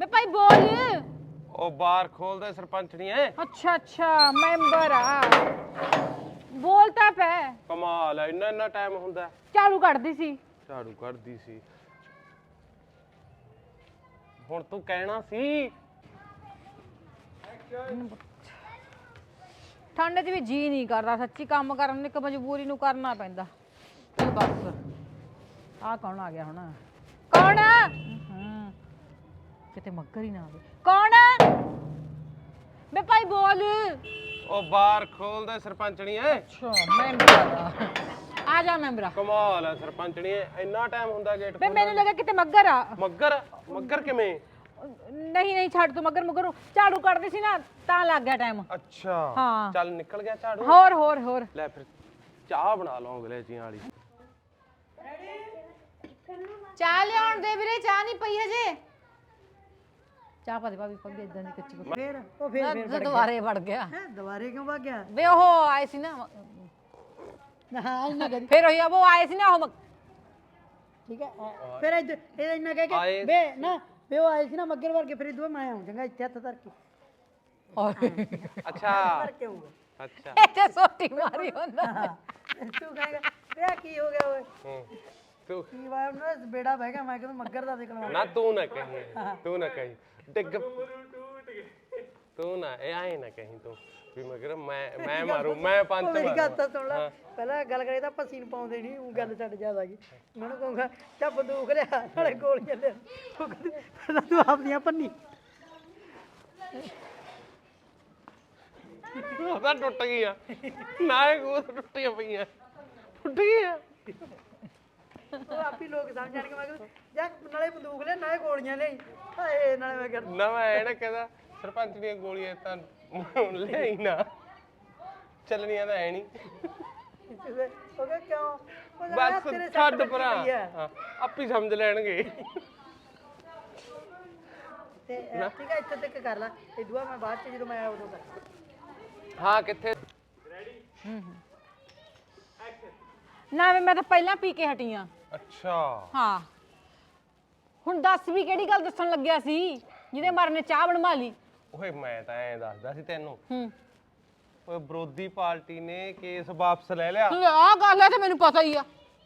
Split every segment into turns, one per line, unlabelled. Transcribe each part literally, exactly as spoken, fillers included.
ਭਾਈ ਬੋਲ।
ਉਹ ਬਾਰ ਖੋਲਦੇ ਸਰਪੰਚਣੀਏ।
ਅੱਛਾ ਅੱਛਾ ਮੈਂਬਰ ਆ, ਬੋਲਤਾ ਪੈ।
ਕਮਾਲ ਹੈ, ਇੰਨਾ ਇੰਨਾ ਟਾਈਮ ਹੁੰਦਾ।
ਝਾੜੂ ਕੱਢਦੀ ਸੀ।
ਝਾੜੂ ਕੱਢਦੀ ਸੀ, ਹੁਣ ਤੂੰ ਕਹਿਣਾ ਸੀ।
ਠੰਡ 'ਚ ਵੀ ਜੀ ਨਹੀਂ ਕਰਦਾ ਸੱਚੀ, ਕੰਮ ਕਰਨ ਨੂੰ ਇੱਕ ਮਜਬੂਰੀ ਨੂੰ ਕਰਨਾ ਪੈਂਦਾ ਬਸ। ਆਹ ਕੌਣ ਆ ਗਿਆ ਹੁਣ? ਕੌਣ? ਹਾਂ ਕਿਤੇ ਮੱਗਰ ਹੀ ਨਾ ਆਵੇ। ਕੌਣ ਬੇ ਭਾਈ ਬੋਲ।
ਉਹ ਬਾਰ ਖੋਲਦੇ ਸਰਪੰਚਣੀਏ।
ਅੱਛਾ ਮੈਂਬਰ ਆ ਜਾ। ਮੈਂਬਰਾ
ਕਮਾਲ ਹੈ ਸਰਪੰਚਣੀਏ, ਇੰਨਾ ਟਾਈਮ ਹੁੰਦਾ ਗੇਟ
ਬੇ ਮੈਨੂੰ ਲੱਗਾ ਕਿਤੇ ਮੱਗਰ ਆ।
ਮੱਗਰ? ਮੱਗਰ ਕਿਵੇਂ?
ਨਹੀਂ ਨਹੀਂ ਛੱਡ ਤੂੰ ਮੱਗਰ ਮੁੱਗਰ, ਝਾੜੂ ਕੱਢਦੀ ਸੀ ਨਾ ਤਾਂ ਲੱਗ ਗਿਆ ਟਾਈਮ।
ਅੱਛਾ
ਹਾਂ
ਚੱਲ ਨਿਕਲ ਗਿਆ ਝਾੜੂ।
ਹੋਰ ਹੋਰ ਹੋਰ
ਲੈ ਫਿਰ ਚਾਹ ਬਣਾ ਲਓ ਅੰਗਰੇਜ਼ੀਆਂ ਵਾਲੀ।
ਚਾਹ ਲਿਆਉਣ ਦੇ ਵੀਰੇ, ਚਾਹ ਨਹੀਂ ਪਈ ਹਜੇ। ਚਾਹ ਪਾ ਦੇ ਭਾਬੀ, ਪੱਗੀ ਇਦਾਂ ਦੀ ਕੱਚੀ ਪੱਕੀ।
ਫੇਰ ਉਹ ਫੇਰ ਫੇਰ
ਦੁਬਾਰੇ ਵੜ ਗਿਆ।
ਹੈ ਦੁਬਾਰੇ ਕਿਉਂ ਵਗ ਗਿਆ?
ਵੇ ਉਹ ਆਏ ਸੀ ਨਾ,
ਹਾਂ ਇੰਨਾ ਕਰੀ
ਫਿਰ ਉਹੀ ਉਹ ਆਏ ਸੀ ਨਾ ਉਹ।
ਠੀਕ ਹੈ ਫਿਰ ਇਹ ਇਹ ਇੰਨਾ ਕਹਿ ਕੇ
ਆਏ-
ਵੇ ਨਾ ਵੇ ਉਹ ਆਏ ਸੀ ਨਾ ਮੱਗਰ ਵਰਗੇ, ਫਿਰ ਇਦੋਂ ਮੈਂ ਆਉਂ ਚੰਗਾ ਇੱਥੇ ਹੱਥ ਧਰ ਕੇ
ਅੱਛਾ
ਧਰ ਕੇ ਆਉਂਗਾ।
ਅੱਛਾ
ਇੱਥੇ ਸੋਟੀ ਮਾਰੀ ਹੁੰਦਾ।
ਤੂੰ ਕਹੇਗਾ ਵੇ ਕੀ ਹੋ ਗਿਆ ਓਏ,
ਹੂੰ ਤੂੰ
ਕੀ ਵਾਰ ਨਾ ਬੇੜਾ ਬਹਿ ਗਿਆ। ਮੈਂ ਕਿਹਾ ਮੱਗਰ ਦਾ ਦੇਖਣਾ
ਨਾ, ਤੂੰ ਨਾ ਕਹੀਂ, ਤੂੰ ਨਾ ਕਹੀਂ ਡਿੱਗ, ਤੂੰ ਨਾ ਇਹ ਆਏ ਨਾ ਕਹੀਂ ਤੂੰ ਵੀ ਮਗਰ ਮੈਂ ਮੈਂ ਮਾਰੂ, ਮੈਂ ਪੰਜ
ਮੇਰੀ ਗੱਲ
ਮਾਰੂ।
ਤਾਂ ਸੁਣ ਲੈ, ਪਹਿਲਾਂ ਗੱਲ ਕਰੇ ਤਾਂ ਪਸੀਨ ਪਾਉਂਦੇ ਨਹੀਂ, ਉਹ ਗੱਲ ਛੱਡ ਜਾ ਦਾਗੀ। ਮੈਨੂੰ ਕਹੂੰਗਾ ਚਾ ਬੰਦੂਕ ਲਿਆ ਨਾਲੇ ਗੋਲੀਆਂ ਲਿਆ, ਉਹ ਕਹਿੰਦੀ ਪਹਿਲਾਂ ਤੂੰ ਆਪਦੀਆਂ ਭੰਨੀ।
ਉਹ ਤਾਂ ਟੁੱਟ ਗਈਆਂ ਨਾ, ਇਹ ਗੋਦ ਟੁੱਟੀਆਂ ਪਈਆਂ, ਟੁੱਟ ਗਈਆਂ।
ਉਹ ਆਪੀ ਲੋਕ ਸਮਝ ਜਾਣਗੇ। ਮੈਂ ਕਿਹਾ ਜਾ ਨਾਲੇ ਬੰਦੂਕ ਲਿਆ ਨਾਲੇ ਗੋਲੀਆਂ ਲਿਆਈ, ਹਾਏ ਨਾਲੇ ਮੈਂ ਕਰ
ਨਾ ਮੈਂ ਇਹ ਨਾ ਕਹਿੰਦਾ ਸਰਪੰਚ ਦੀਆਂ ਗੋਲੀਆਂ ਤਾਂ ਲਿਆਈ ਨਾ, ਚੱਲਣੀਆਂ ਤਾਂ ਹੈ ਨਹੀਂ।
ਉਹ ਕਹਿੰਦਾ ਕਿਉਂ? ਉਹ ਕਹਿੰਦਾ
ਬਸ
ਤੇਰੇ ਸੱਟ
ਛੱਡ
ਵੱਜੀ
ਭਰਾ,
ਪਈ ਹੈ।
ਹਾਂ ਆਪੀ ਸਮਝ ਲੈਣਗੇ।
ਤੇ ਅਹ, ਠੀਕ ਹੈ ਇੱਥੇ ਤੱਕ ਕਰ ਲੈ, ਇਹ ਦੁਆ ਮੈਂ ਬਾਅਦ ਚ ਜਦੋਂ ਮੈਂ ਆਇਆ ਉਦੋਂ ਕਰ।
ਹਾਂ ਕਿੱਥੇ?
ਨਾ ਵੇ ਮੈਂ ਤਾਂ ਪਹਿਲਾਂ ਪੀ ਕੇ ਹਟੀ ਆਂ।
ਅੱਛਾ
ਹਾਂ ਹੁਣ ਦੱਸ ਵੀ ਕਿਹੜੀ ਗੱਲ ਦੱਸਣ ਲੱਗਿਆ ਸੀ ਜਿਹਦੇ ਮਾਰੇ ਨੇ ਚਾਹ ਬਣਵਾ ਲਈ।
ਓਏ ਮੈਂ ਤਾਂ ਐਂ ਦੱਸਦਾ ਸੀ ਤੈਨੂੰ,
ਹੂੰ
ਓਏ ਵਿਰੋਧੀ ਪਾਰਟੀ ਨੇ ਕੇਸ ਵਾਪਸ ਲੈ ਲਿਆ।
ਆਹ ਗੱਲ ਹੈ ਤੇ ਮੈਨੂੰ ਪਤਾ ਹੀ ਆ।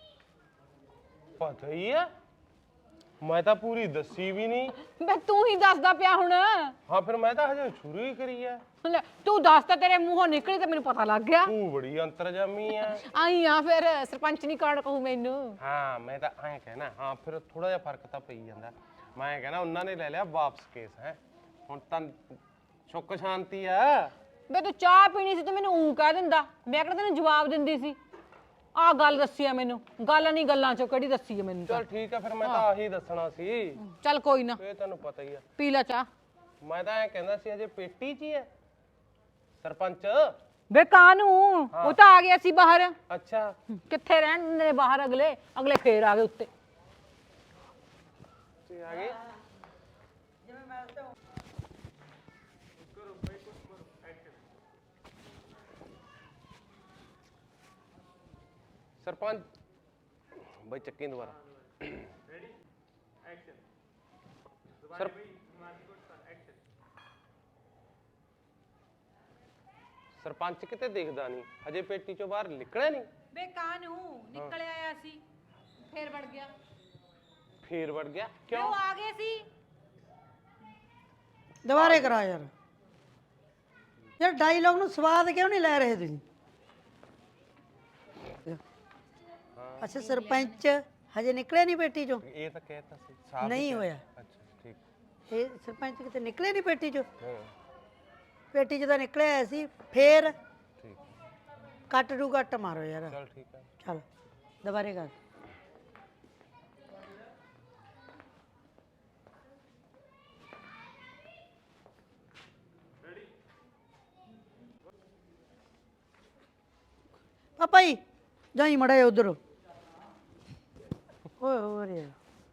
ਪਤਾ ਹੀ ਆ, ਮੈਂ ਤਾਂ ਪੂਰੀ ਦੱਸੀ ਵੀ ਨਹੀਂ।
ਬੇ ਤੂੰ ਹੀ ਦੱਸਦਾ ਪਿਆ ਹੁਣ।
ਹਾਂ ਫਿਰ ਮੈਂ ਤਾਂ ਹਜੇ ਸ਼ੁਰੂ ਹੀ ਕਰੀ ਆ।
ਲੈ, ਤੂੰ ਦੱਸ ਤਾਂ ਤੇਰੇ ਮੂੰਹੋਂ ਨਿਕਲੀ ਤੇ ਮੈਨੂੰ ਪਤਾ ਲੱਗ ਗਿਆ।
ਤੂੰ ਬੜੀ ਅੰਤਰਜਾਮੀ ਆ।
ਆਈ ਆ ਫਿਰ ਸਰਪੰਚ ਨਹੀਂ ਕਾਣ ਕਹੂ ਮੈਨੂੰ।
ਹਾਂ ਮੈਂ ਤਾਂ ਐਂ ਕਹਿਣਾ, ਹਾਂ ਫਿਰ ਥੋੜਾ ਜਿਹਾ ਫਰਕ ਤਾਂ ਪਈ ਜਾਂਦਾ। ਮੈਂ ਕਹਿਣਾ ਉਹਨਾਂ ਨੇ ਲੈ ਲਿਆ ਵਾਪਸ ਕੇਸ, ਹੈ ਹੁਣ ਤਾਂ ਸੁੱਖ ਸ਼ਾਂਤੀ ਆ।
ਬੇ ਤੂੰ ਚਾਹ ਪੀਣੀ ਸੀ ਤੇ ਮੈਨੂੰ ਊਂ ਕਹਿ ਦਿੰਦਾ, ਮੈਂ ਕਿਹੜਾ ਤੈਨੂੰ ਜਵਾਬ ਦਿੰਦੀ ਸੀ। ਆਹ ਗੱਲ ਦੱਸੀ ਆ ਮੈਨੂੰ, ਗੱਲ ਨਹੀਂ ਗੱਲਾਂ ਚੋਂ ਕਿਹੜੀ ਦੱਸੀ ਆ ਮੈਨੂੰ।
ਚਲ ਠੀਕ ਆ, ਫਿਰ ਮੈਂ ਤਾਂ ਆਹੀ ਦੱਸਣਾ ਸੀ।
ਚੱਲ ਕੋਈ ਨਾ,
ਇਹ ਤੈਨੂੰ ਪਤਾ ਹੀ ਆ।
ਪੀ ਲੈ ਚਾਹ।
ਮੈਂ ਤਾਂ ਐਂ ਕਹਿੰਦਾ ਸੀ ਅਜੇ ਪੇਟੀ 'ਚ ਹੀ ਹੈ ਸਰਪੰਚ।
ਬੇ ਕਾਨੂੰ ਉਹ ਤਾਂ ਆ ਗਿਆ ਸੀ ਬਾਹਰ।
ਅੱਛਾ
ਕਿੱਥੇ ਰਹਿਣ ਦਿੰਦੇ ਨੇ ਬਾਹਰ ਅਗਲੇ, ਅਗਲੇ ਫੇਰ ਆ ਗਏ ਉੱਤੇ।
ਤੇ ਆ ਗਏ। ਸਰਪੰਚ ਬਈ ਚੱਕੀ ਦੁਬਾਰਾ। Ready action. ਦੁਬਾਰਾ ਬਈ ਐਕਸ਼ਨ। ਸਰਪੰਚ ਕਿਤੇ ਦਿਖਦਾ ਨਹੀਂ, ਹਜੇ ਪੇਟੀ ਚੋਂ ਬਾਹਰ ਨਿਕਲਿਆ ਨਹੀਂ।
ਬੇ ਕਾਨੂੰ ਨਿਕਲ ਆਇਆ ਸੀ, ਫੇਰ ਵੜ ਗਿਆ।
ਫੇਰ ਵੜ ਗਿਆ ਕਿਉਂ?
ਉਹ ਆ ਗਏ ਸੀ।
ਦੁਬਾਰੇ ਕਰਾ ਯਾਰ, ਯਾਰ ਡਾਇਲੌਗ ਨੂੰ ਸਵਾਦ ਕਿਉਂ ਨਹੀਂ ਲੈ ਰਹੇ ਤੁਸੀਂ? ਅੱਛਾ ਸਰਪੰਚ ਹਜੇ ਨਿਕਲੇ ਨਹੀਂ ਪੇਟੀ ਚੋਂ?
ਇਹ ਤਾਂ ਕਹਿਤਾ ਸੀ ਸਾਫ਼
ਨਹੀਂ
ਹੀ
ਹੋਇਆ।
ਅੱਛਾ ਠੀਕ।
ਇਹ ਸਰਪੰਚ ਕਿਤੇ ਨਿਕਲੇ ਨਹੀਂ ਪੇਟੀ ਚੋਂ?
ਹਾਂ
ਪੇਟੀ ਚ ਤਾਂ ਨਿਕਲਿਆ ਆਇਆ ਸੀ। ਫੇਰ
ਠੀਕ,
ਕੱਟ ਟੂ ਕੱਟ ਮਾਰੋ ਯਾਰ।
ਚਲ ਠੀਕ ਹੈ।
ਚੱਲ ਦੁਬਾਰੇ ਕਰ। ਪਾਪਾ ਜੀ ਜਾਈ ਮੜਾ ਉਧਰ। ਓਏ ਹੋਰ ਯਾਰ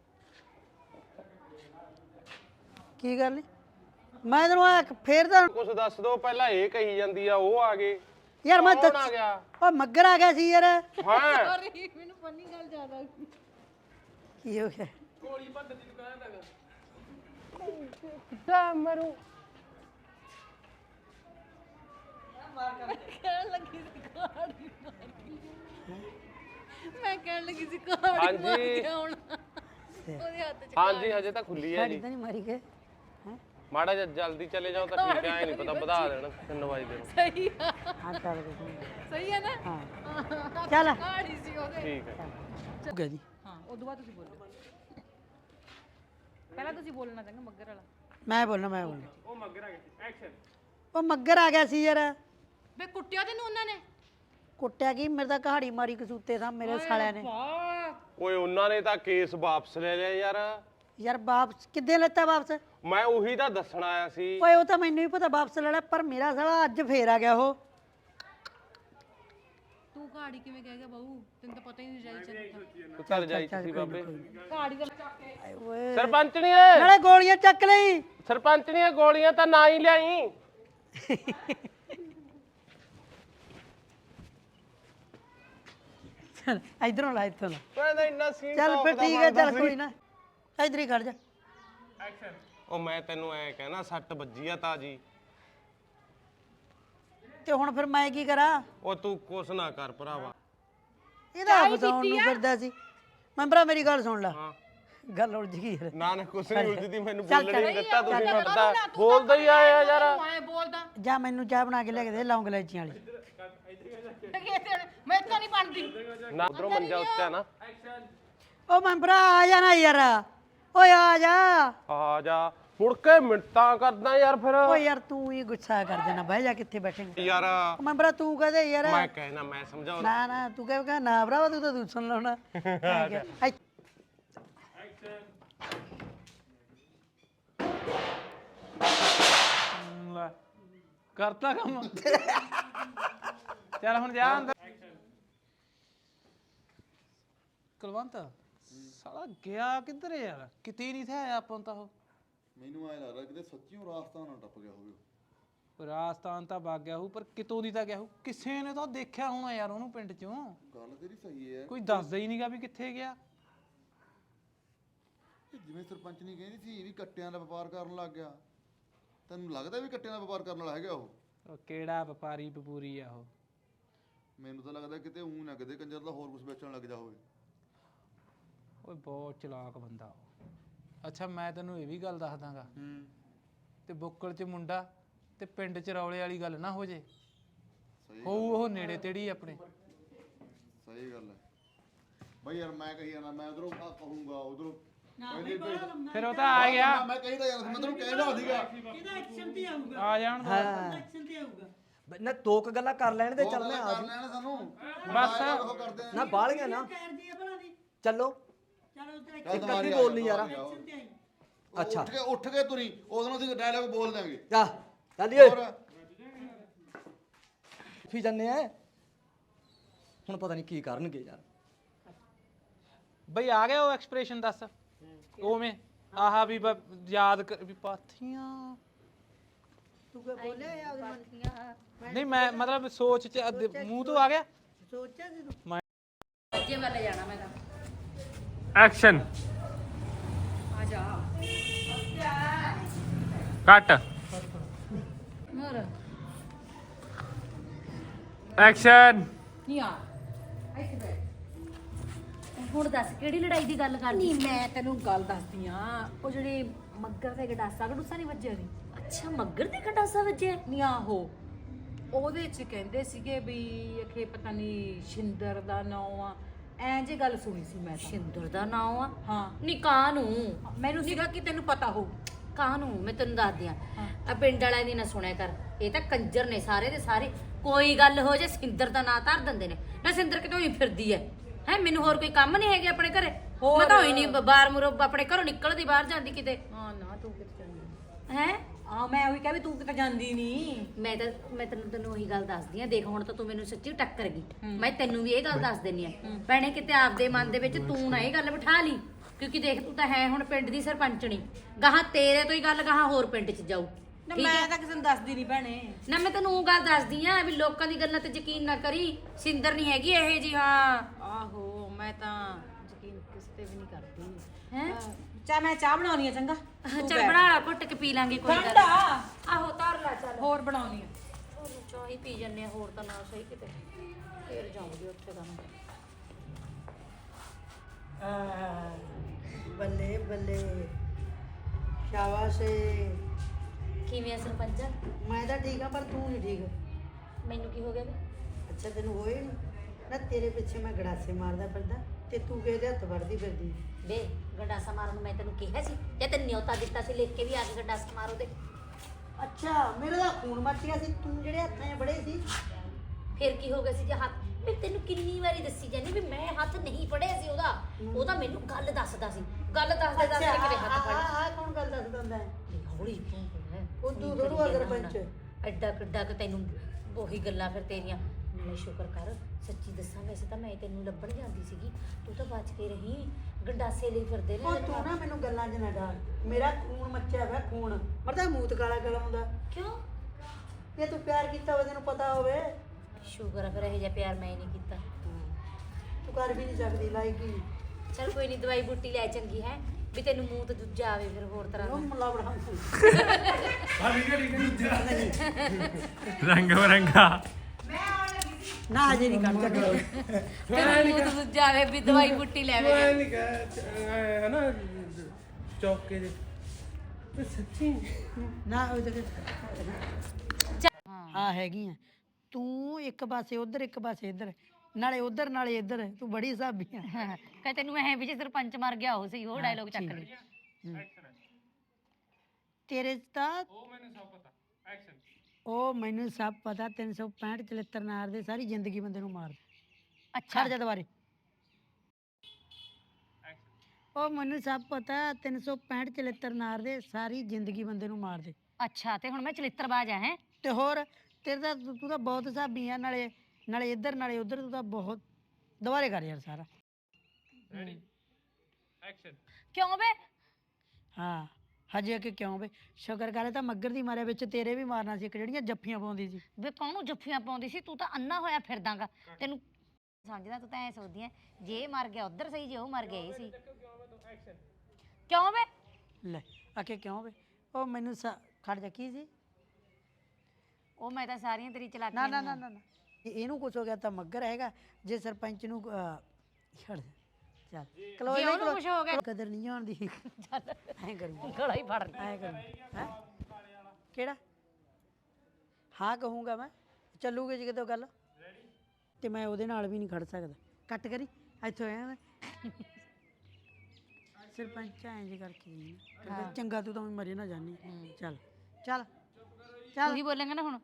ਕੀ ਗੱਲ ਨੀ? ਮੈਂ ਤੈਨੂੰ ਆ ਫੇਰ ਤਾਂ
ਕੁਛ ਦੱਸ ਦੋ ਪਹਿਲਾਂ। ਇਹ ਕਹੀ ਜਾਂਦੀ ਆ ਉਹ ਆ ਗਏ।
ਯਾਰ ਮੈਂ
ਕੌਣ ਆ ਗਿਆ?
ਓ ਮੱਗਰ ਆ ਗਿਆ ਸੀ ਯਾਰ।
ਹਾਂ
ਮੈਨੂੰ ਫੰਨੀ ਗੱਲ ਜ਼ਿਆਦਾ
ਕੀ ਹੋ ਗਿਆ?
ਦਾ ਮਰੂ
ਕਹਿਣ ਲੱਗੀ ਸੀ ਕਹਾੜੀ ਮੈਂ ਕਹਿਣ ਲੱਗੀ ਸੀ ਕਹਾੜੀ
ਹਾਂਜੀ
ਹੁਣ ਉਹਦੇ ਹੱਥ 'ਚ
ਹਾਂਜੀ ਹਜੇ ਤਾਂ ਖੁੱਲੀ ਹੈ ਜੀ
ਤਾਂ ਨਹੀਂ ਮਾਰੀ ਗਏ ਹੈ
ਮਾੜਾ ਜਿਹਾ ਜਲਦੀ ਚਲੇ ਜਾਓ ਤਾਂ ਠੀਕ ਹੈ ਐ ਨਹੀਂ ਪਤਾ ਵਧਾ ਦੇਣ ਤਿੰਨ ਵਜੇ ਨੂੰ
ਸਹੀ ਆ
ਹਾਂ ਚੱਲ ਗਏ
ਸਹੀ ਹੈ ਨਾ
ਹਾਂ ਚੱਲ
ਕਹਾੜੀ ਸੀ ਉਹਦੇ
ਠੀਕ ਹੈ
ਹੋ ਗਿਆ ਜੀ
ਹਾਂ ਉਦੋਂ ਬਾਅਦ ਤੁਸੀਂ ਬੋਲੋ ਪਹਿਲਾਂ ਤੁਸੀਂ ਬੋਲਣਾ ਚਾਹੁੰਗਾ ਮੱਗਰ ਵਾਲਾ
ਮੈਂ ਬੋਲਣਾ ਮੈਂ ਬੋਲਣਾ
ਉਹ ਮੱਗਰ ਆ ਗਿਆ ਐਕਸ਼ਨ
ਉਹ ਮੱਗਰ ਆ ਗਿਆ ਸੀ ਯਾਰ
ਵੇ ਕੁੱਟਿਆ ਤੈਨੂੰ ਉਹਨਾਂ ਨੇ
ਕੁੱਟਿਆ ਕੀ ਮੇਰੇ ਤਾਂ ਕਹਾੜੀ ਮਾਰੀ ਕਸੂਤੇ ਸਾਂ ਮੇਰੇ ਸਾਲਿਆਂ ਨੇ
ਵਾਹ
ਓਏ ਉਹਨਾਂ ਨੇ ਤਾਂ ਕੇਸ ਵਾਪਸ ਲੈ ਲਿਆ ਯਾਰ
ਯਾਰ ਵਾਪਸ ਕਿੱਦੇ ਲੈਤਾ ਵਾਪਸ
ਮੈਂ ਉਹੀ ਤਾਂ ਦੱਸਣ ਆਇਆ ਸੀ
ਓਏ ਉਹ ਤਾਂ ਮੈਨੂੰ ਵੀ ਪਤਾ ਵਾਪਸ ਲੈ ਲਿਆ ਪਰ ਮੇਰਾ ਸਾਲਾ ਅੱਜ ਫੇਰ ਆ ਗਿਆ ਉਹ
ਤੂੰ ਕਹਾੜੀ ਕਿਵੇਂ ਕਹਿ ਗਿਆ ਬਾਊ ਤੈਨੂੰ ਤਾਂ ਪਤਾ ਹੀ ਨਹੀਂ ਜਾਈ ਚੱਲਦਾ
ਚੱਲ ਜਾਈ ਤੁਸੀਂ ਬਾਬੇ
ਕਹਾੜੀ ਦਾ
ਆਏ ਓਏ
ਸਰਪੰਚਣੀ ਏ
ਨਾਲੇ ਗੋਲੀਆਂ ਚੱਕ ਲਈ
ਸਰਪੰਚਣੀ ਗੋਲੀਆਂ ਤਾਂ ਨਾ ਹੀ ਲਿਆਈ
ਚੱਲ ਇਧਰੋਂ ਲਾ ਇੱਥੋਂ ਲਾ
ਕਹਿੰਦਾ ਇੰਨਾ ਸੀਨ
ਚੱਲ ਫਿਰ ਠੀਕ ਹੈ ਚੱਲ ਕੋਈ ਨਾ ਇਧਰ ਹੀ ਖੜ ਜਾ
ਐਕਸ਼ਨ ਉਹ ਮੈਂ ਤੈਨੂੰ ਐ ਕਹਿਣਾ ਸੱਟ ਵੱਜੀ ਆ ਤਾਜੀ
ਤੇ ਹੁਣ ਫਿਰ ਮੈਂ ਕੀ ਕਰਾਂ
ਉਹ ਤੂੰ ਕੁਛ ਨਾ ਕਰ ਭਰਾਵਾ
ਇਹਦਾ ਬਤਾਉਣ ਨੂੰ ਫਿਰਦਾ ਸੀ ਮੈਂਬਰਾ ਮੇਰੀ ਗੱਲ ਸੁਣ ਲੈ
ਹਾਂ
ਗੱਲ ਉਲਝ ਗਈ ਯਾਰ
ਨਾ ਨਾ ਕੁਛ ਨਹੀਂ ਉਲਝਦੀ ਮੈਨੂੰ
ਚੱਲ,
ਬੋਲਣ ਨਹੀਂ
ਚੱਲ।
ਦਿੱਤਾ ਤੁਸੀਂ ਮਰਦਾ ਬੋਲਦਾ ਹੀ ਆਇਆ ਯਾਰ
ਮੈਂ ਬੋਲਦਾ
ਜਾ ਮੈਨੂੰ ਚਾਹ ਬਣਾ ਕੇ ਲੈ ਕੇ ਦੇ ਲੌਂਗ ਲੈਚੀਆਂ ਵਾਲੀ
ਮੈਂ ਤਾਂ ਨਹੀਂ ਬਣਦੀ
ਨਾ ਉਧਰੋਂ ਮੰਜਾ ਉੱਤੇ ਨਾ
ਓ ਮੈਂਬਰਾ ਆ ਜਾ ਨਾ ਯਾਰ ਓਏ ਆ ਜਾ
ਆ ਜਾ ਮੁੜ ਕੇ ਮਿੰਟਾਂ ਕਰਦਾ ਯਾਰ ਫਿਰ
ਓ ਯਾਰ ਤੂੰ ਹੀ ਗੁੱਸਾ ਕਰ ਦੇਣਾ ਬਹਿ ਜਾ ਕਿੱਥੇ ਬੈਠੇਂਗਾ
ਯਾਰ
ਓ ਮੈਂਬਰਾ ਤੂੰ ਕਹਦੇ ਯਾਰ
ਮੈਂ ਕਹਿਣਾ ਮੈਂ ਸਮਝਾਉਣਾ
ਨਾ ਨਾ ਤੂੰ ਕਹਿ ਕਹ ਨਾ ਭਰਾਵਾ ਤੂੰ ਤਾਂ ਦੂਸਣ ਲਾਉਣਾ
ਲੈ ਕਰਤਾ ਕੰਮ ਚੱਲ ਹੁਣ ਜਾ ਅੰਦਰ ਕੁਲਵੰਤ ਸਾਲਾ ਗਿਆ ਕਿੱਧਰ ਯਾਰ ਕਿਤੇ ਨਹੀਂ ਥਾ ਆਇਆ ਆਪਾਂ ਨੂੰ ਤਾਂ ਉਹ
ਮੈਨੂੰ ਐ ਲੱਗਦਾ ਕਿਤੇ ਸੱਚੀਓ ਰਾਸਤਾ ਨਾ ਟੱਪ ਗਿਆ ਹੋਵੇ
ਉਹ ਰਾਜਸਥਾਨ ਤਾਂ ਵਗ ਗਿਆ ਹੋਊ ਪਰ ਕਿਤੋਂ ਦੀ ਤਾਂ ਗਿਆ ਹੋਊ ਕਿਸੇ ਨੇ ਤਾਂ ਦੇਖਿਆ ਹੋਣਾ ਯਾਰ ਉਹਨੂੰ ਪਿੰਡ ਚੋਂ
ਗੱਲ ਤੇਰੀ ਸਹੀ ਹੈ
ਕੋਈ ਦੱਸਦਾ ਹੀ ਨਹੀਂਗਾ ਵੀ ਕਿੱਥੇ ਗਿਆ
ਇਹ ਜਿਵੇਂ ਸਰਪੰਚ ਨਹੀਂ ਕਹਿੰਦੀ ਸੀ ਵੀ ਕੱਟਿਆਂ ਦਾ ਵਪਾਰ ਕਰਨ ਲੱਗ ਗਿਆ ਤੈਨੂੰ ਲੱਗਦਾ ਵੀ ਕੱਟਿਆਂ ਦਾ ਵਪਾਰ ਕਰਨ ਵਾਲਾ ਹੈਗਾ ਉਹ
ਉਹ ਕਿਹੜਾ ਵਪਾਰੀ ਬਪੂਰੀ ਆ ਉਹ
ਮੈਨੂੰ ਤਾਂ ਲੱਗਦਾ ਕਿਤੇ ਊਂ ਨਾ ਕਿਤੇ ਕੰਜਰ ਦਾ ਹੋਰ ਕੁਝ ਵੇਚਣ ਲੱਗ ਜਾ ਹੋਵੇ
ਓਏ ਬਹੁਤ ਚਲਾਕ ਬੰਦਾ ਉਹ ਅੱਛਾ ਮੈਂ ਤੈਨੂੰ ਇਹ ਵੀ ਗੱਲ ਦੱਸ ਦਾਂਗਾ
ਹੂੰ
ਤੇ ਬੁੱਕਲ 'ਚ ਮੁੰਡਾ ਤੇ ਪਿੰਡ 'ਚ ਰੌਲੇ ਵਾਲੀ ਗੱਲ ਨਾ ਹੋ ਜੇ
ਸਹੀ
ਹੋਊ ਉਹ ਨੇੜੇ ਤੇੜੀ ਆਪਣੇ
ਸਹੀ ਗੱਲ ਹੈ ਬਈ ਯਾਰ ਮੈਂ ਕਹੀ ਜਾਣਾ ਮੈਂ ਉਧਰੋਂ ਕਹੂੰਗਾ ਉਧਰੋਂ
ਫਿਰ ਉਹ ਤਾਂ ਆ ਗਿਆ
ਮੈਂ ਕਹੀਦਾ ਯਾਰ ਮੈਂ ਤੈਨੂੰ ਕਹਿਣਾ ਸੀਗਾ
ਆ ਜਾਣ ਦੋ
ਨਾ ਦੋ ਕੁ ਗੱਲਾਂ ਕਰ ਲੈਣ ਦੇ
ਉਹ
ਚੱਲਦੇ
ਗੱਲਾਂ
ਆ
ਕਰ ਲੈਣਾ ਸਾਨੂੰ
ਬਸ।
ਉਹ ਕਰਦੇ ਆ
ਨਾ ਬਾਲੀਆਂ ਨਾ ਚੱਲੋ
ਚੱਲ
ਇੱਕ
ਦੁਬਾਰੀ
ਅੱਧੀ
ਆ
ਬੋਲਣੀ ਯਾਰ
ਉਹ
ਅੱਛਾ
ਉੱਠ ਕੇ ਉੱਠ ਕੇ ਤੁਰੀ ਉਦੋਂ ਅਸੀਂ ਡਾਇਲੌਗ ਬੋਲ ਦਾਂਗੇ
ਜਾ ਚੱਲੀਏ
ਹੋਰ
ਫੀ ਜੰਨੇ ਆ ਹੁਣ ਪਤਾ ਨਹੀਂ ਕੀ ਕਰਨਗੇ ਯਾਰ
ਬਈ ਆ ਗਿਆ ਉਹ ਐਕਸਪ੍ਰੈਸ਼ਨ ਦੱਸ ਉਵੇਂ ਆਹਾ ਵੀ ਬ- ਯਾਦ ਕਰ- ਵੀ ਪਾਥੀਆਂ
ਤੂੰ ਕੀ ਬੋਲਿਆ ਯਾਰ ਉਹਦੇ ਮਨ
ਨਹੀਂ ਮੈਂ ਮਤਲਬ ਸੋਚ ਚ ਅੱਧੇ ਮੂੰਹ ਤੋਂ ਆ ਗਿਆ
ਸੋਚਿਆ ਸੀ ਤੂੰ
ਅੱਗੇ ਵੱਲ ਜਾਣਾ ਮੈਂ ਤਾਂ
ਐਕਸ਼ਨ
ਆ ਜਾ
ਕੱਟ
ਮਰ
ਐਕਸ਼ਨ
ਨਹੀਂ ਆ ਇੱਥੇ ਬੈਠ
ਹੁਣ ਦੱਸ ਕਿਹੜੀ ਲੜਾਈ ਦੀ ਗੱਲ ਕਰਨੀ
ਨਹੀਂ ਮੈਂ ਤੈਨੂੰ ਗੱਲ ਦੱਸਦੀ ਆ ਉਹ ਜਿਹੜੇ ਮੱਗਰ ਦੇ ਗਡਾਸਾ ਗਡੂਸਾ ਨਹੀਂ ਵੱਜਿਆ ਨਹੀਂ
ਅੱਛਾ ਮੱਗਰ ਦੇ ਖਟਾਸਾ ਵੱਜਿਆ
ਨਹੀਂ ਆਹੋ ਉਹਦੇ ਚ ਕਹਿੰਦੇ ਸੀਗੇ ਵੀ ਅਖੇ ਪਤਾ ਨਹੀਂ ਸ਼ਿੰਦਰ ਦਾ ਨਾਂ ਆ ਐਂ ਜੇ ਗੱਲ ਸੁਣੀ ਸੀ ਮੈਂ ਤਾਂ
ਸ਼ਿੰਦਰ ਦਾ ਨਾਮ ਆ
ਹਾਂ
ਨੀ ਕਾਹਨੂੰ
ਮੈਨੂੰ ਸੀਗਾ ਕਿ ਤੈਨੂੰ ਪਤਾ ਹੋ
ਕਾਹਨੂੰ ਮੈਂ ਤੈਨੂੰ ਦੱਸਦੀ ਆ ਆ ਪਿੰਡ ਵਾਲਿਆਂ ਦੀ ਨਾ ਸੁਣਿਆ ਕਰ ਇਹ ਤਾਂ ਕੰਜਰ ਨੇ ਸਾਰੇ ਦੇ ਸਾਰੇ ਕੋਈ ਗੱਲ ਹੋ ਜੇ ਸਿੰਦਰ ਦਾ ਨਾਂ ਧਰ ਦਿੰਦੇ ਨੇ ਨਾ ਸਿੰਦਰ ਕਿਤੋਂ ਹੀ ਫਿਰਦੀ ਐ ਹੈ ਮੈਨੂੰ ਹੋਰ ਕੋਈ ਕੰਮ ਨਹੀਂ ਹੈਗੇ ਆਪਣੇ ਘਰੇ ਮੈਂ ਤਾਂ ਹੋਈ ਨਹੀਂ ਬਾਹਰ ਮੁਰੋ ਆਪਣੇ ਘਰੋਂ ਨਿਕਲਦੀ ਬਾਹਰ ਜਾਂਦੀ ਕਿਤੇ
ਹਾਂ ਨਾ ਤੂੰ ਕਿੱਥੇ ਜਾਂਦੀ
ਹੈ
ਆ ਮੈਂ ਉਹੀ ਕਿਹਾ ਵੀ ਤੂੰ ਕਿਤੇ ਜਾਂਦੀ ਨਹੀਂ
ਮੈਂ ਤਾਂ ਮੈਂ ਤੈਨੂੰ ਤੈਨੂੰ ਉਹੀ ਗੱਲ ਦੱਸਦੀ ਆ ਦੇਖ ਹੁਣ ਤਾਂ ਤੂੰ ਮੈਨੂੰ ਸੱਚੀ ਟੱਕਰ ਗਈ ਮੈਂ ਤੈਨੂੰ ਵੀ ਇਹ ਗੱਲ ਦੱਸ ਦਿੰਨੀ ਆ ਭੈਣੇ ਕਿਤੇ ਆਪਦੇ ਮਨ ਦੇ ਵਿੱਚ ਤੂੰ ਨਾ ਇਹ ਗੱਲ ਬਿਠਾ ਲਈ ਕਿਉਂਕਿ ਦੇਖ ਤੂੰ ਤਾਂ ਹੈ ਹੁਣ ਪਿੰਡ ਦੀ ਸਰਪੰਚਣੀ ਗਾਹਾਂ ਤੇਰੇ ਤੋਂ ਹੀ ਗੱਲ ਗਾਹਾਂ ਹੋਰ ਪਿੰਡ 'ਚ ਜਾਊ
ਨਾ ਮੈਂ ਤਾਂ ਕਿਸੇ ਨੂੰ ਦੱਸਦੀ ਨਹੀਂ ਭੈਣੇ
ਨਾ ਮੈਂ ਤੈਨੂੰ ਉਹ ਗੱਲ ਦੱਸਦੀ ਆ ਵੀ ਲੋਕਾਂ ਦੀ ਗੱਲਾਂ ਤੇ ਯਕੀਨ ਨਾ ਕਰੀ ਸਿੰਦਰ ਨਹੀਂ ਹੈਗੀ ਇਹ ਜੀ ਹਾਂ
ਆਹੋ ਮੈਂ ਤਾਂ ਯਕੀਨ ਕਿਸੇ ਤੇ ਵੀ ਨਹੀਂ ਕਰਦੀ
ਹੈ
ਚਾ ਮੈਂ ਚਾਹ ਬਣਾਉਣੀ ਆ ਚੰਗਾ
ਚੱਲ ਬਣਾ ਲਾ ਘੁੱਟ ਕੇ ਪੀ ਲਾਂਗੇ ਕੋਈ ਗੱਲ ਨੀ। ਆਹੋ ਧਰ ਲੈ ਚੱਲ
ਹੋਰ ਬਣਾਉਣੀ ਆ
ਹੋਰ ਚਾਹ ਹੀ ਪੀ ਜੰਨੇ ਹੋਰ ਤਾਂ ਨਾ ਸਹੀ ਕਿਤੇ ਫੇਰ ਜਾਊਂਗੀ ਉੱਥੇ ਤਾਂ ਮੈਂ
ਆਹ, ਬੱਲੇ ਬੱਲੇ ਸ਼ਾਬਾਸ਼ ਏ।
ਕਿਵੇਂ ਆ ਸਰਪੰਚ
ਮੈਂ ਤਾਂ ਠੀਕ ਆ ਪਰ ਤੂੰ ਨਹੀਂ ਠੀਕ।
ਮੈਨੂੰ ਕੀ ਹੋ ਗਿਆ ਵੇ
ਅੱਛਾ ਤੈਨੂੰ ਹੋਏ ਨੀ? ਨਾ ਤੇਰੇ ਪਿੱਛੇ ਮੈਂ ਗੜਾਸੇ ਮਾਰਦਾ ਫਿਰਦਾ ਤੇ ਤੂੰ ਕਿਹਦੇ ਹੱਥ ਵੜਦੀ ਫਿਰਦੀ।
ਵੇ ਗੰਡਾਸਾ ਮਾਰਨ ਨੂੰ ਮੈਂ ਤੈਨੂੰ ਕਿਹਾ ਸੀ ਜਾਂ ਤੈਨੂੰ ਨਿਉਤਾ ਦਿੱਤਾ ਸੀ ਲਿਖ ਕੇ ਵੀ ਆ ਕੇ ਗੰਡਾਸਾ ਮਾਰੋ ਦੇ
ਅੱਛਾ ਮੇਰੇ ਦਾ ਖੂਨ ਮੱਚ ਗਿਆ ਸੀ ਤੂੰ ਜਿਹੜੇ ਹੱਥਾਂ 'ਚ ਬੜੇ ਸੀ।
ਫਿਰ ਕੀ ਹੋ ਗਿਆ ਸੀ ਜੇ ਹੱਥ ਮੈਂ ਤੈਨੂੰ ਕਿੰਨੀ ਵਾਰੀ ਦੱਸੀ ਜਾਨੀ ਵੀ ਮੈਂ ਹੱਥ ਨਹੀਂ ਫੜਿਆ ਸੀ ਉਹਦਾ ਉਹ ਤਾਂ ਮੈਨੂੰ ਗੱਲ ਦੱਸਦਾ ਸੀ ਗੱਲ ਦੱਸਦੇ ਦੱਸਦੇ ਕਿਤੇ ਹੱਥ ਫੜ
ਆ ਕੌਣ ਗੱਲ ਦੱਸਦਾ ਹੁੰਦਾ ਹੈ?
ਹੌਲੀ ਤੂੰ ਹੈ
ਉਹ ਤੂੰ ਥੋੜੂ ਆ ਸਰਪੰਚ।
ਐਡਾ ਕਿੱਡਾ ਕਿ ਤੈਨੂੰ ਉਹੀ ਗੱਲਾਂ ਫਿਰ ਤੇਰੀਆਂ ਨਾਲੇ ਸ਼ੁਕਰ ਕਰ ਸੱਚੀ ਦੱਸਾਂ ਵੈਸੇ ਤਾਂ ਮੈਂ ਤੈਨੂੰ ਲੱਭਣ ਜਾਂਦੀ ਸੀਗੀ ਤੂੰ ਤਾਂ ਬਚ ਕੇ ਰਹੀ ਗੰਡਾਸੇ ਲਈ ਫਿਰਦੇ ਨੇ
ਉਹ ਤੂੰ ਨਾ ਮੈਨੂੰ ਗੱਲਾਂ 'ਚ ਨਾ ਡਾਲ ਮੇਰਾ ਖੂਨ ਮੱਚਿਆ ਹੋਇਆ ਖੂਨ ਮਰਦਾ ਮੂਤ ਕਾਲਾ ਕਾਲਾ ਹੁੰਦਾ।
ਕਿਉਂ
ਜੇ ਤੂੰ ਪਿਆਰ ਕੀਤਾ ਹੋਵੇ ਤੈਨੂੰ ਪਤਾ ਹੋਵੇ
ਸ਼ੁਕਰ ਆ ਫਿਰ ਇਹ ਜਿਹਾ ਪਿਆਰ ਮੈਂ ਨਹੀਂ ਕੀਤਾ
ਤੂੰ ਕਰ ਵੀ ਨਹੀਂ ਸਕਦੀ ਲਾਇਕ ਹੀ
ਚਲ ਕੋਈ ਨਹੀਂ ਦਵਾਈ ਬੂਟੀ ਲੈ ਚੰਗੀ ਹੈ ਵੀ ਤੈਨੂੰ ਮੂੰਹ ਤੇ ਦੂਜਾ ਆਵੇ ਫਿਰ ਹੋਰ ਤਰ੍ਹਾਂ
ਉਹ
ਦਾ
ਮੁੱਲਾ ਬੜਾ
ਰੰਗ ਬਰੰਗਾ
ਨਾ ਅਜੇ ਨਹੀਂ ਕਰ ਸਕਦਾ
ਤੈਨੂੰ ਮੂੰਹ ਤੇ ਦੂਜਾ ਆਵੇ ਵੀ ਦਵਾਈ ਬੂਟੀ ਲੈ ਆਵੇ
ਨਹੀਂ ਹੈ ਨਾ ਚੌਕੇ ਦੇ ਤੇ ਸੱਚੀ
ਨਾ ਉਹ ਤੇ ਹਾਂ ਹੈਗੀ ਆ ਤੂੰ ਇੱਕ ਪਾਸੇ ਉਧਰ ਇੱਕ ਪਾਸੇ ਇੱਧਰ ਨਾਲੇ ਉਧਰ ਨਾਲੇ ਇੱਧਰ ਤੂੰ ਬੜੀ ਹਿਸਾਬੀ ਆ
ਕਹ ਤੈਨੂੰ ਐ ਵੀ ਜੇ ਸਰਪੰਚ ਮਰ ਗਿਆ ਉਹ ਸਹੀ ਉਹ ਡਾਇਲੋਗ ਚੱਕ ਲਈ
ਤੇਰੇ 'ਚ ਤਾਂ ਉਹ ਮੈਨੂੰ ਸਭ ਪਤਾ ਤਿੰਨ ਸੌ ਪੈਂਹਠ ਚਲਿੱਤਰ ਨਾਰ ਦੇ ਸਾਰੀ ਜ਼ਿੰਦਗੀ ਬੰਦੇ ਨੂੰ ਮਾਰ
ਅੱਛਾ
ਖੜ ਜਾ ਦੁਬਾਰੇ ਉਹ ਮੈਨੂੰ ਸਭ ਪਤਾ ਤਿੰਨ ਸੌ ਪੈਂਹਠ ਚਲਿੱਤਰ ਨਾਰ ਦੇ ਸਾਰੀ ਜ਼ਿੰਦਗੀ ਬੰਦੇ ਨੂੰ ਮਾਰ ਦੇ
ਅੱਛਾ ਤੇ ਹੁਣ ਮੈਂ ਚਲਿੱਤਰਬਾਜ਼ ਆ ਹੈ
ਤੇ ਹੋਰ ਤੇਰੇ ਤਾਂ ਤੂੰ ਤੂੰ ਤਾਂ ਬਹੁਤ ਹਿਸਾਬੀ ਆ ਨਾਲੇ ਨਾਲੇ ਇੱਧਰ ਨਾਲੇ ਉੱਧਰ ਤੂੰ ਤਾਂ ਬਹੁਤ ਦੁਬਾਰੇ ਕਰ ਯਾਰ ਸਾਰਾ
ਕਿਉਂ ਬੇ
ਹਾਂ ਹਜੇ ਕਿ ਕਿਉਂ ਵੇ ਸ਼ੁਕਰ ਕਰੇ ਤਾਂ ਮੱਗਰ ਦੀ ਮਾਰੇ ਵਿੱਚ ਤੇਰੇ ਵੀ ਮਾਰਨਾ ਸੀ ਇੱਕ ਜਿਹੜੀਆਂ ਜੱਫੀਆਂ ਪਾਉਂਦੀ ਸੀ
ਵੇ ਕੌਣੂ ਜੱਫੀਆਂ ਪਾਉਂਦੀ ਸੀ ਤੂੰ ਤਾਂ ਅੰਨਾ ਹੋਇਆ ਫਿਰਦਾਗਾ ਤੈਨੂੰ ਸਮਝਦਾ ਤੂੰ ਤਾਂ ਐ ਸੋਚਦੀ ਐ ਜੇ ਇਹ ਮਰ ਗਿਆ ਉਧਰ ਸਹੀ ਜੇ ਉਹ ਮਰ ਗਿਆ ਇਹ ਸੀ ਕਿਉਂ ਵੇ
ਲੈ ਆਕੇ ਕਿਉਂ ਵੇ ਉਹ ਮੈਨੂੰ ਸਾ- ਖੜ ਜਾ ਕੀ ਸੀ
ਉਹ ਮੈਂ ਤਾਂ ਸਾਰੀਆਂ ਤੇਰੀ
ਨਾ
ਚਲਾਕੀਆਂ
ਨਾ ਨਾ ਨਾ ਨਾ। ਜੇ ਇਹਨੂੰ ਕੁਛ ਹੋ ਗਿਆ ਤਾਂ ਮੱਗਰ ਹੈਗਾ ਜੇ ਸਰਪੰਚ ਨੂੰ ਅਹ, ਛੱਡ ਦੇ ਚੱਲ ਕਲੋਜ਼
ਜੇ ਉਹਨੂੰ ਕੁਛ ਹੋ ਗਿਆ
ਕਦਰ ਨਹੀਂ ਜਾਣਦੀ ਐਂ ਕਰੂ
ਗਲਾ ਹੀ ਫੜ ਲਈ
ਐਂ ਕਰੂ ਹੈਂ ਕਿਹੜਾ ਹਾਂ ਕਹੂੰਗਾ ਮੈਂ ਚੱਲੂਗੇ ਜੀ ਕਿਤੇ ਗੱਲ ਤੇ ਮੈਂ ਉਹਦੇ ਨਾਲ ਵੀ ਨਹੀਂ ਖੜ ਸਕਦਾ ਕੱਟ ਕਰੀ ਇੱਥੋਂ ਆਇਆ ਮੈਂ ਸਰਪੰਚ ਐਂ ਜੀ ਕਰਕੇ ਗਈ ਨਾ। ਕਹਿੰਦਾ ਚੰਗਾ ਤੂੰ ਤਾਂ ਮਰੇ ਨਾ ਜਾਨੀ ਚੱਲ ਚੱਲ ਚੱਲ
ਤੂੰ ਹੀ ਬੋਲੇਂਗਾ ਨਾ ਹੁਣ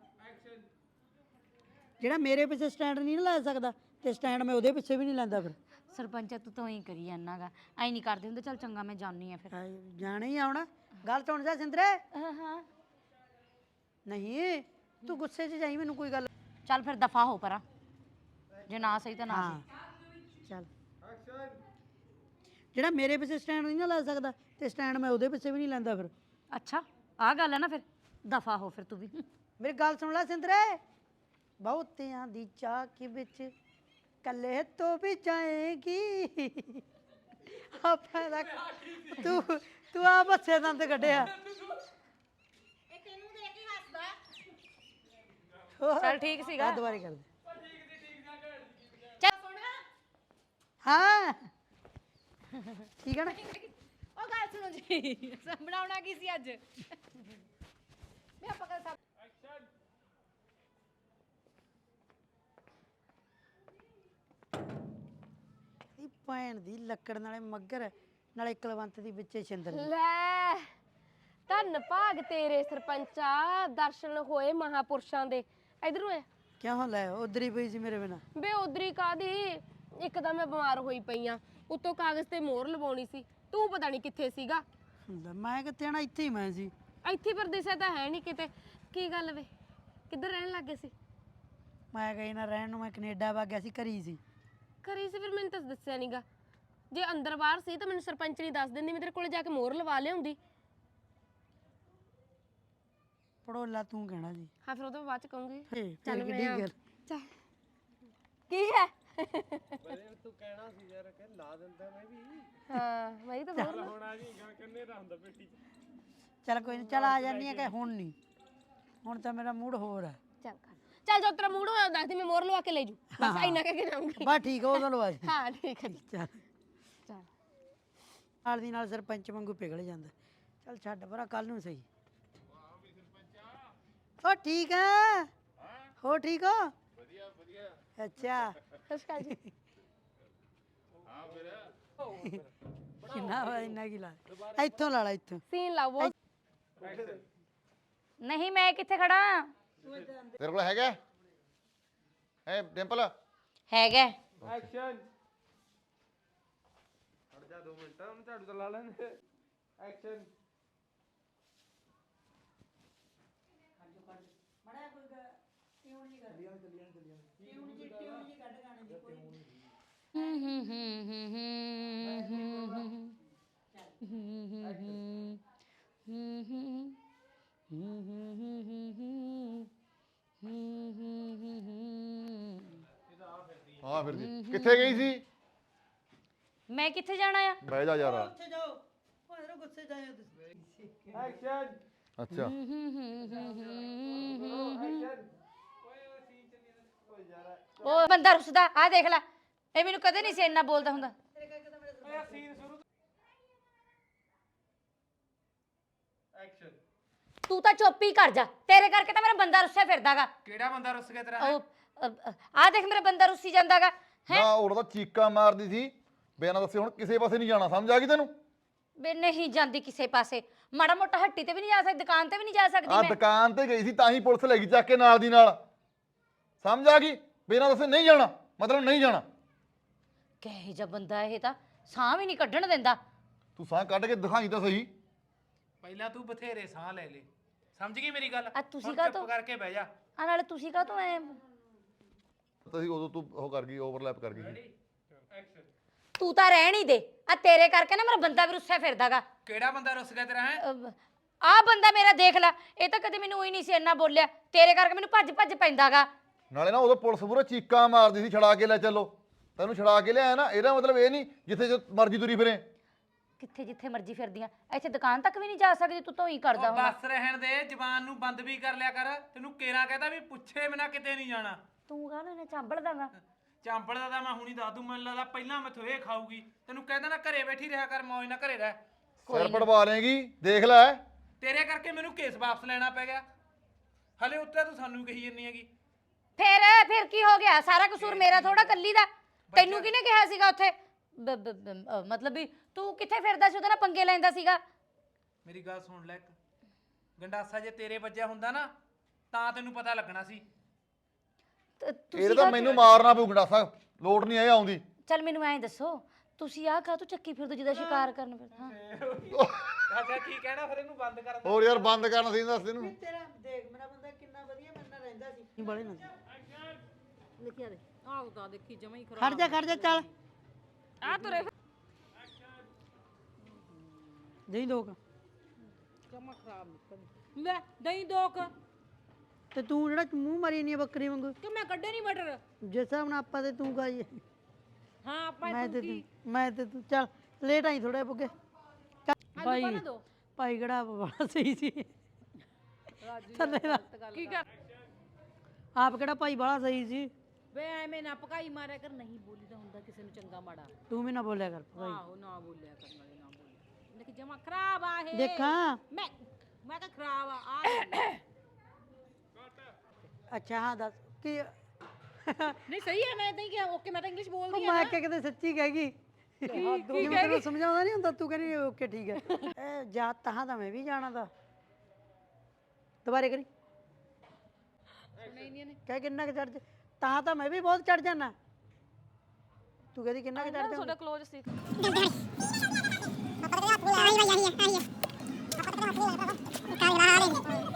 ਜਿਹੜਾ ਮੇਰੇ ਪਿੱਛੇ ਸਟੈਂਡ ਨਹੀਂ ਨਾ ਲੈ ਸਕਦਾ ਤੇ ਸਟੈਂਡ ਮੈਂ ਉਹਦੇ ਪਿੱਛੇ ਵੀ ਨਹੀਂ ਲੈਂਦਾ ਫਿਰ
ਸਰਪੰਚ ਤੂੰ ਤਾਂ ਹੀ ਕਰੀ ਜਾਨਾਗਾ ਐ ਨਹੀਂ ਕਰਦੇ ਹੁੰਦੇ ਚੱਲ ਚੰਗਾ ਮੈਂ ਜਾਣੀ ਆ ਫਿਰ
ਹਾਏ, ਜਾਣਾ ਹੀ ਆਉਣਾ ਗੱਲ ਸੁਣ ਜਾ ਸਿੰਦਰੇ
ਹਾਂ ਹਾਂ
ਨਹੀਂ ਤੂੰ ਗੁੱਸੇ 'ਚ ਜਾਈ ਮੈਨੂੰ ਕੋਈ ਗੱਲ
ਚੱਲ ਫਿਰ ਦਫਾ ਹੋ ਪਰਾਂ ਜੇ ਨਾ ਸਹੀ ਤਾਂ ਨਾ
ਹਾਂ ਚੱਲ ਜਿਹੜਾ ਮੇਰੇ ਪਿੱਛੇ ਸਟੈਂਡ ਨਹੀਂ ਨਾ ਲੈ ਸਕਦਾ ਤੇ ਸਟੈਂਡ ਮੈਂ ਉਹਦੇ ਪਿੱਛੇ ਵੀ ਨਹੀਂ ਲੈਂਦਾ ਫਿਰ
ਸਹੀ ਅੱਛਾ ਆ ਗੱਲ ਹੈ ਨਾ ਫਿਰ ਦਫਾ ਹੋ ਫਿਰ ਤੂੰ ਵੀ
ਮੇਰੀ ਗੱਲ ਸੁਣ ਲੈ ਸਿੰਦਰੇ ਬਹੁਤਿਆਂ ਦੀ ਚਾਹ ਕੇ ਵਿੱਚ ਕੱਲੇ ਤੋਂ ਵੀ ਜਾਏਗੀ ਆਪਾਂ ਦਾ ਤੂੰ ਤੂੰ ਆ ਬੱਸੇ ਦੰਦ ਕੱਢਿਆ
ਚੱਲ ਠੀਕ ਸੀਗਾ
ਆ ਦੁਬਾਰੇ ਕਰ ਦੇ
ਚੱਲ
ਹਾਂ ਠੀਕ ਹੈ ਨਾ
ਉਹ ਗੱਲ ਸੁਣੋ ਜੀ ਬਣਾਉਣਾ ਕੀ ਸੀ ਅੱਜ ਮੈਂ ਆਪਾਂ ਕਰ
ਇਹ ਭੈਣ ਦੀ ਲੱਕੜ ਨਾਲੇ ਮੱਗਰ ਨਾਲੇ ਕਲਵੰਤ ਦੀ ਵਿੱਚੇ ਛਿੰਦਰ ਦੀ।
ਲੈ ਧੰਨ ਭਾਗ ਤੇਰੇ ਸਰਪੰਚਾ ਦਰਸ਼ਨ ਹੋਏ ਮਹਾਪੁਰਸ਼ਾਂ ਦੇ ਇਧਰੋਂ ਐ
ਕਿਉਂ ਲੈ ਉਧਰ ਹੀ ਪਈ ਸੀ ਮੇਰੇ ਬਿਨਾ
ਬੇ ਉਧਰੀ ਕਾਦੀ ਇੱਕ ਤਾਂ ਮੈਂ ਬਿਮਾਰ ਹੋਈ ਪਈ ਆ ਉੱਤੋਂ ਕਾਗਜ਼ ਤੇ ਮੋਹਰ ਲਵਾਉਣੀ ਸੀ ਤੂੰ ਪਤਾ ਨਹੀਂ ਕਿੱਥੇ ਸੀਗਾ
ਮੈਂ ਕਿੱਥੇ ਆਣਾ ਇੱਥੇ ਹੀ ਮੈਂ ਸੀ
ਇੱਥੇ ਪਰ ਦਿਸਿਆ ਤਾਂ ਹੈ ਨਹੀਂ ਕਿਤੇ ਕੀ ਗੱਲ ਵੇ ਕਿੱਧਰ ਰਹਿਣ ਲੱਗੇ ਸੀ
ਮੈਂ ਗਈ ਨਾ ਰਹਿਣ ਨੂੰ ਮੈਂ ਕੈਨੇਡਾ ਵਾ ਗਿਆ ਸੀ ਘਰੀ ਸੀ
ਕਰੀ ਸੀ ਫਿਰ ਮੈਨੂੰ ਤਾਂ ਦੱਸਿਆ ਨਹੀਂਗਾ ਜੇ ਅੰਦਰ ਬਾਹਰ ਸੀ ਤਾਂ ਮੈਨੂੰ ਸਰਪੰਚ ਨਹੀਂ ਦੱਸ ਦਿੰਦੀ ਮੈਂ ਤੇਰੇ ਕੋਲੇ ਜਾ ਕੇ ਮੋਹਰ ਲਵਾ ਲਿਆਉਂਦੀ
ਪੜੋਲਾ ਤੂੰ ਕਹਿਣਾ ਜੀ
ਹਾਂ ਫਿਰ ਉਹ ਤੋਂ ਬਾਅਦ ਚ ਕਹੂੰਗੀ
ਹੇ
ਚੱਲ
ਚੱਲ
ਮੈਂ
ਕਿੱਡੀ
ਆ-
ਗੱਲ
ਚੱਲ ਕੀ ਹੈ
ਤੂੰ ਕਹਿਣਾ ਸੀ ਯਾਰ ਕਿ ਲਾ ਦਿੰਦਾ ਮੈਂ ਵੀ
ਹਾਂ ਮੈਂ ਤਾਂ ਹੋਰ
ਹੁਣ ਆ ਜੀ ਗਾ ਕੰਨੇ ਦਾ ਹੁੰਦਾ ਪੇਟੀ ਚ
ਚੱਲ ਕੋਈ ਨਹੀਂ, ਚੱਲ ਆ ਜਾਨੀ ਆ ਕਿ ਹੁਣ ਨਹੀਂ, ਹੁਣ ਤਾਂ ਮੇਰਾ ਮੂਡ ਹੋਰ ਹੈ।
ਚੱਲ ਚੱਲ ਜੋ ਤੇਰਾ ਮੂਡ ਹੋਇਆ ਦੱਸ ਦੇ, ਮੈਂ ਮੋਹਰ ਲਵਾ ਕੇ ਲੈ ਜੂ ਬਸ ਇੰਨਾ ਕਹਿ ਕੇ ਜਾਊਂਗੀ।
ਬਸ ਠੀਕ ਆ, ਉਦੋਂ ਲਵਾ ਜੀ।
ਹਾਂ ਠੀਕ ਹੈ ਜੀ।
ਚੱਲ
ਚੱਲ
ਨਾਲ ਦੀ ਨਾਲ ਸਰਪੰਚ ਵਾਂਗੂ ਪਿਘਲ ਜਾਂਦਾ। ਚੱਲ ਛੱਡ ਪਰਾਂ, ਕੱਲ ਨੂੰ ਸਹੀ। ਹੋ ਠੀਕ ਆ? ਹੋ ਠੀਕ ਹੋ? ਵਧੀਆ ਵਧੀਆ। ਅੱਛਾ
ਸਸਕਾ ਜੀ।
ਕਿੰਨਾ ਵਾ ਇੰਨਾ ਕੀ ਲਾ, ਇੱਥੋਂ ਲਾ ਲਾ, ਇੱਥੋਂ।
ਸੀਨ ਲਾਓ।
ਨਹੀਂ ਮੈਂ ਕਿੱਥੇ ਖੜਾ
ਤੇਰੇ ਕੋਲ ਹੈਗਾ ਹੈ ਡਿੰਪਲ?
ਹੈਗਾ
ਐਕਸ਼ਨ ਹਟ ਜਾ ਦੋ ਮਿੰਟ ਉਹਨੂੰ ਝਾੜੂ ਤਾਂ ਲਾ ਲੈਂਦੇ ਐਕਸ਼ਨ
ਹਾਂ ਫਿਰ ਜੀ ਕਿੱਥੇ ਗਈ ਸੀ?
ਮੈਂ ਕਿੱਥੇ ਜਾਣਾ ਆ
ਬਹਿ ਜਾ ਯਾਰ।
ਉੱਥੇ ਜਾਓ, ਭਾਵੇਂ ਗੁੱਸੇ ਜਾਇਓ ਤੁਸੀਂ।
ਐਕਸ਼ਨ
ਅੱਛਾ
ਉਹ ਬੰਦਾ ਰੁੱਸਦਾ ਆ ਦੇਖ ਲੈ ਇਹ ਮੈਨੂੰ ਕਦੇ ਨਹੀਂ ਸੀ ਇੰਨਾ ਬੋਲਦਾ ਹੁੰਦਾ
ਐਕਸ਼ਨ
ਤੂੰ ਤਾਂ ਚੁੱਪ ਹੀ ਕਰ ਜਾ ਤੇਰੇ ਕਰਕੇ ਤਾਂ ਮੇਰਾ ਬੰਦਾ ਰੁੱਸਿਆ ਫਿਰਦਾਗਾ
ਕਿਹੜਾ ਬੰਦਾ ਰੁੱਸ ਗਿਆ ਤੇਰਾ?
ਉਹ ਆ ਦੇਖ ਮੇਰਾ ਬੰਦਾ ਰੁੱਸੀ ਜਾਂਦਾਗਾ
ਨਾ ਉਹ ਤਾਂ ਚੀਕਾਂ ਮਾਰਦੀ ਸੀ ਬਿਨਾਂ ਦੱਸੇ। ਹੁਣ ਕਿਸੇ ਪਾਸੇ ਨਹੀਂ ਜਾਣਾ, ਸਮਝ ਆ ਗਈ ਤੈਨੂੰ?
ਬੇ ਨਹੀਂ ਜਾਂਦੀ ਕਿਸੇ ਪਾਸੇ, ਮਾੜਾ ਮੋਟਾ ਹੱਟੀ ਤੇ ਵੀ ਨਹੀਂ ਜਾ ਸਕਦੀ, ਦੁਕਾਨ ਤੇ ਵੀ ਨਹੀਂ ਜਾ ਸਕਦੀ
ਆ
ਮੈਂ।
ਦੁਕਾਨ ਤੇ ਗਈ ਸੀ ਤਾਂ ਹੀ ਪੁਲਿਸ ਲੈ ਗਈ ਚੱਕ ਕੇ ਨਾਲ ਦੀ ਨਾਲ, ਸਮਝ ਆ ਗਈ? ਬਿਨਾਂ ਦੱਸੇ ਨਹੀਂ ਜਾਣਾ, ਮਤਲਬ ਨਹੀਂ ਜਾਣਾ।
ਕਹੇ ਜਾ ਬੰਦਾ ਇਹ ਤਾਂ ਸਾਹ ਵੀ ਨਹੀਂ ਕੱਢਣ ਦਿੰਦਾ।
ਤੂੰ ਸਾਹ ਕੱਢ ਕੇ ਦਿਖਾਈ ਤਾਂ ਸਹੀ।
ਪਹਿਲਾਂ ਤੂੰ ਬਥੇਰੇ ਸਾਹ ਲੈ ਲੈ, ਸਮਝ ਗਈ ਮੇਰੀ ਗੱਲ?
ਆ ਤੁਸੀਂ
ਹੁਣ
ਕਾਹ
ਚੁੱਪ
ਤੋਂ
ਕਰਕੇ ਬਹਿ ਜਾ।
ਆ ਨਾਲੇ ਤੁਸੀਂ ਕਾਹ ਤੋਂ ਐ
ਤੁਸੀਂ ਉਦੋਂ ਤੂੰ ਉਹ ਕਰ ਗਈ, ਓਵਰਲੈਪ ਕਰ ਗਈ।
ਤੂੰ ਤਾਂ ਰਹਿਣ ਹੀ ਦੇ, ਆ ਤੇਰੇ ਕਰਕੇ ਨਾ ਮੇਰਾ ਬੰਦਾ ਵੀ ਰੁੱਸਿਆ ਫਿਰਦਾਗਾ।
ਕਿਹੜਾ ਬੰਦਾ ਰੁੱਸ ਗਿਆ ਤੇਰਾ? ਹੈ
ਆ ਬੰਦਾ ਮੇਰਾ ਦੇਖ ਲੈ, ਇਹ ਤਾਂ ਕਦੇ ਮੈਨੂੰ ਹੀ ਨਹੀਂ ਸੀ ਇੰਨਾ ਬੋਲਿਆ, ਤੇਰੇ ਕਰਕੇ ਮੈਨੂੰ ਭੱਜ ਭੱਜ ਪੈਂਦਾਗਾ।
ਨਾਲੇ ਨਾ ਉਦੋਂ ਪੁਲਿਸ ਪੂਰਾ ਚੀਕਾਂ ਮਾਰਦੀ ਸੀ ਛੜਾ ਕੇ ਲੈ ਚੱਲੋ। ਤੈਨੂੰ ਛੜਾ ਕੇ ਲਿਆਇਆ ਨਾ, ਇਹਦਾ ਮਤਲਬ ਇਹ ਨਹੀਂ ਜਿੱਥੇ ਜੋ ਮਰਜ਼ੀ ਤੁਰੀ ਫਿਰੇ।
ਕਿੱਥੇ ਜਿੱਥੇ ਮਰਜ਼ੀ ਫਿਰਦੀਆਂ, ਇੱਥੇ ਦੁਕਾਨ ਤੱਕ ਵੀ ਨਹੀਂ ਜਾ ਸਕਦੀ, ਤੂੰ ਤਾਂ ਹੀ ਕਰਦਾ ਹੁੰਦਾ।
ਬਸ ਰਹਿਣ ਦੇ, ਜ਼ਬਾਨ ਨੂੰ ਬੰਦ ਵੀ ਕਰ ਲਿਆ ਕਰ। ਤੈਨੂੰ ਕੇਰਾ ਕਹਦਾ ਵੀ ਪੁੱਛੇ ਬਿਨਾ ਕਿਤੇ ਨਹੀਂ ਜਾਣਾ।
ਤੂੰ ਕਾਹਨੂੰ ਇਹਨੇ ਚਾਂਬੜਦਾਗਾ?
ਚਾਂਪੜ ਦਾ ਤਾਂ ਮੈਂ ਹੁਣੀ ਦੱਸ ਦੂੰ, ਮੈਨੂੰ ਲੱਗਦਾ ਪਹਿਲਾਂ ਮੈਥੋਂ ਇਹ ਖਾਊਗੀ। ਤੈਨੂੰ ਕਹਿੰਦਾ ਨਾ ਘਰੇ ਬੈਠੀ ਰਿਹਾ ਕਰ, ਮੌਜ ਨਾਲ ਘਰੇ ਰਹਿ।
ਸਿਰ ਪੜਵਾ ਲੇਗੀ, ਦੇਖ ਲੈ।
ਤੇਰੇ ਕਰਕੇ ਮੈਨੂੰ ਕੇਸ ਵਾਪਸ ਲੈਣਾ ਪੈ ਗਿਆ। ਹਲੇ ਉੱਤੇ ਤੂੰ ਸਾਨੂੰ ਕਹੀ ਜੰਨੀ ਹੈਗੀ।
ਫਿਰ ਫਿਰ ਕੀ ਹੋ ਗਿਆ? ਸਾਰਾ ਕਸੂਰ ਮੇਰਾ ਥੋੜਾ ਕੱਲੀ ਦਾ। ਤੈਨੂੰ ਕਿਹਨੇ ਕਿਹਾ ਸੀਗਾ ਉੱਥੇ? ਬ- ਬ- ਬ- ਅਹ ਮਤਲਬ ਵੀ ਤੂੰ ਕਿੱਥੇ ਫਿਰਦਾ ਸੀ, ਉਹਦੇ ਨਾਲ ਪੰਗੇ ਲੈਂਦਾ ਸੀਗਾ?
ਮੇਰੀ ਗੱਲ ਸੁਣ ਲੈ, ਇੱਕ ਗੰਡਾਸਾ ਜੇ ਤੇਰੇ ਵੱਜਿਆ ਹੁੰਦਾ ਨਾ ਤਾਂ ਤੈਨੂੰ ਪਤਾ ਲੱਗਣਾ ਸੀ।
ਤ- ਤੁਸੀਂ
ਇਹਦੇ ਤਾਂ
ਕਾਹ-
ਮੈਨੂੰ ਮਾਰਨਾ ਪਊ ਗੰਡਾਸਾ, ਲੋਟ ਨਹੀਂ ਆਇਆ ਆਉਂਦੀ।
ਚੱਲ ਮੈਨੂੰ ਐਂ ਦੱਸੋ, ਤੁਸੀਂ ਆਹ ਕਾਹ ਤੋਂ ਚੱਕੀ ਫਿਰਦੇ ਜਿਹਦਾ ਸ਼ਿਕਾਰ ਕਰਨ ਫਿਰ? ਹਾਂ
ਅੱਛਾ ਕੀ ਕਹਿਣਾ ਫਿਰ? ਇਹਨੂੰ ਬੰਦ ਕਰ ਦੇ।
ਹੋਰ ਯਾਰ ਬੰਦ ਕਰਨਾ ਸੀ, ਦੱਸ ਤੈਨੂੰ।
ਤੇਰਾ ਦੇਖ, ਮੇਰਾ ਬੰਦਾ ਕਿੰਨਾ ਵਧੀਆ ਮੇਰੇ ਨਾਲ ਰਹਿੰਦਾ ਸੀ। ਨਹੀਂ ਬੜੇ ਨਾ
ਲਿਖਿਆ ਦੇ ਆਹ ਤਾਂ ਦੇਖੀ ਜਮਾ ਹੀ
ਖੜ ਜਾ, ਖੜ ਜਾ, ਚੱਲ
ਆ ਤੁਰੇ
ਨਹੀਂ ਦੋਕ
ਜਮਾ ਖਰਾਬ ਨਿਕਲ ਲੈ ਦਹੀਂ ਦੋਕ
ਤੇ ਤੂੰ ਜਿਹੜਾ ਮੂੰਹ ਮਾਰੀ ਨਹੀਂ ਬੱਕਰੀ ਵਾਂਗੂ,
ਕਿ ਮੈਂ ਕੱਢੇ ਨਹੀਂ ਮਟਰ।
ਜਿਸ ਹਿਸਾਬ ਨਾਲ ਆਪਾਂ ਤੇ ਤੂੰ ਖਾਈ
ਹਾਂ ਆਪਾਂ
ਮੈਂ ਤੇ
ਤੂੰ ਕੀ
ਤੂੰ ਮੈਂ ਤੇ ਤੂੰ ਚੱਲ ਲੇਟ ਆਈ ਥੋੜੇ ਬੁੱਗੇ ਭਾਈ
ਬਣਾ ਦੋ
ਭਾਈ ਕਿਹੜਾ ਬੜਾ ਸਹੀ ਸੀ ਥੱਲੇ ਦਾ
ਕੀ ਕਰ
ਆਪ ਕਿਹੜਾ ਭਾਈ ਬੜਾ ਸਹੀ ਸੀ।
ਵੇ ਐਵੇਂ ਨਾ ਪਕਾਈ ਮਾਰਿਆ ਕਰ, ਨਹੀਂ ਬੋਲੀਦਾ ਹੁੰਦਾ ਕਿਸੇ ਨੂੰ ਚੰਗਾ ਮਾੜਾ।
ਤੂੰ ਵੀ ਨਾ ਬੋਲਿਆ ਕਰ ਭਾਈ।
ਆਹੋ ਨਾ ਬੋਲਿਆ ਕਰ, ਨਾਲੇ ਨਾ ਬੋਲਿਆ ਲੇਕਿਨ ਜਮਾ ਖਰਾਬ ਆ ਇਹ।
ਦੇਖਾਂ
ਮੈਂ ਮੈਂ ਤਾਂ ਖਰਾਬ ਆ ਆ
ਅੱਛਾ ਹਾਂ ਦੱਸ ਕੀ
ਨਹੀਂ ਸਹੀ ਹੈ, ਮੈਂ ਨਹੀਂ ਕਿਹਾ ਓਕੇ, ਮੈਂ ਤਾਂ ਇੰਗਲਿਸ਼
ਉਹ
ਬੋਲਦੀ ਆ
ਮੈਂ ਕਿ ਕਿਤੇ ਸੱਚੀ ਕਹਿ ਗਈ। ਜਿਵੇਂ ਤੈਨੂੰ ਸਮਝਾਉਂਦਾ ਨਹੀਂ ਹੁੰਦਾ, ਤੂੰ ਕਹਿੰਦੀ ਓਕੇ ਠੀਕ ਹੈ। ਇਹ ਜਾ ਤਹਾਂ ਤਾਂ ਮੈਂ ਵੀ ਜਾਣਾ ਤਾਂ ਦੁਬਾਰੇ ਕਰੀ ਕਹਿ ਕਿੰਨਾ ਕੁ ਚੜ ਤਾਂ ਤਾਂ ਮੈਂ ਵੀ ਬਹੁਤ ਚੜ ਜਾਣਾ। ਤੂੰ ਕਹਿੰਦੀ ਕਿੰਨਾ ਕੁ ਚੜ ਜਾ?
ਤੁਹਾਡਾ ਕਲੋਜ਼ ਸੀ।
Papai,